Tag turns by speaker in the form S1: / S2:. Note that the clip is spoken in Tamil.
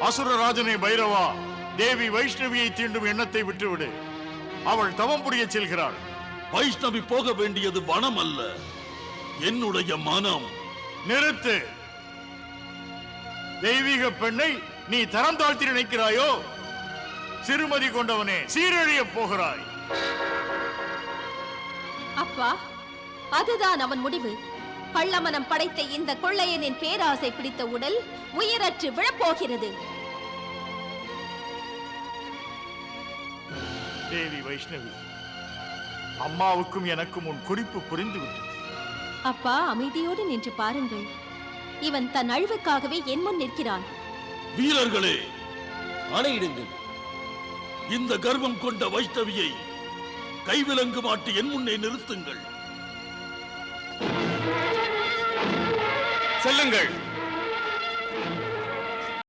S1: அசுரராஜனே பைரவா, தேவி வைஷ்ணவியை தீண்டும் எண்ணத்தை விட்டுவிடு. அவள் தவம் புரிய செல்கிறாள்.
S2: வைஷ்ணவி போக வேண்டியது வனம் அல்ல, என்னுடைய மனம்.
S1: நிறுத்து. தெய்வீக பெண்ணை நீ தரம் தாழ்த்தி நினைக்கிறாயோ? சிறுமதி கொண்டவனே, சீரழிய போகிறாய்.
S3: அப்பா, அதுதான் அவன் முடிவு. கள்ளமனம் படைத்த இந்த கொள்ளையனின் பேராசை பிடித்த உடல் உயிரற்று விழப்போகிறது.
S1: தேவி வைஷ்ணவி, அம்மாவுக்கும் எனக்கும் உன் குறிப்பு புரிந்துவிட்டது.
S3: அப்பா, அமைதியோடு நின்று பாருங்கள். இவன் தன் அழிவுக்காகவே என் முன் நிற்கிறான்.
S2: வீரர்களே,
S4: ஆணையிடுங்கள்.
S2: இந்த கர்வம் கொண்ட வைஷ்ணவியை கைவிலங்கு மாட்டி என் முன்னே நிறுத்துங்கள்.
S1: செல்லுங்கள்.